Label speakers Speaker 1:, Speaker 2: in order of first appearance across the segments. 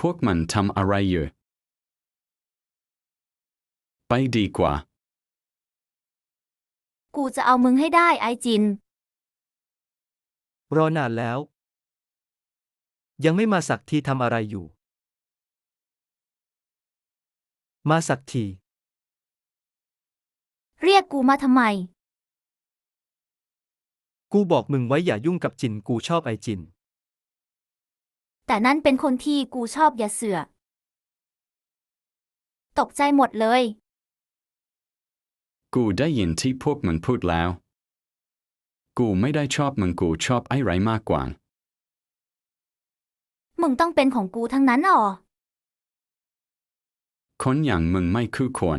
Speaker 1: วกมันทำอะไรอยู่ไปดีกว่า
Speaker 2: กูจะเอามึงให้ได้ไอจิน
Speaker 3: รอนานแล้วยังไม่มาสักทีทำอะไรอยู่มาสักที
Speaker 2: เรียกกูมาทำไม
Speaker 3: กูบอกมึงไว้อย่ายุ่งกับจินกูชอบไอจิน
Speaker 2: แต่นั่นเป็นคนที่กูชอบอย่าเสือกตกใจหมดเลย
Speaker 1: กูได้ยินที่พวกมันพูดแล้วกูไม่ได้ชอบมึงกูชอบไอ้ไรมากกว่า
Speaker 2: มึงต้องเป็นของกูทั้งนั้นอ๋อ
Speaker 1: คนอย่างมึงไม่คู่ควร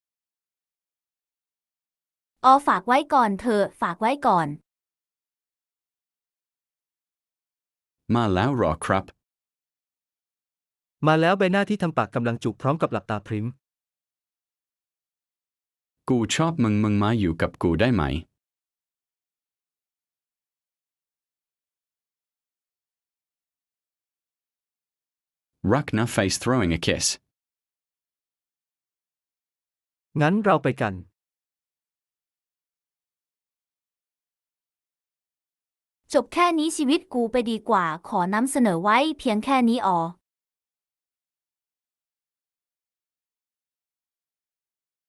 Speaker 2: ฝากไว้ก่อนเถอะฝากไว้ก่อน
Speaker 1: มาแล้วหรอครับ
Speaker 3: มาแล้วใบหน้าที่ทำปากกำลังจุกพร้อมกับหลับตาพริ้ม
Speaker 1: กูชอบมึงมาอยู่กับกูได้ไหมรักนะ face throwing a kiss
Speaker 3: งั้นเราไปกัน
Speaker 2: จบแค่นี้ชีวิตกูไปดีกว่าขอนำเสนอไว้เพียงแค่นี้อ๋อ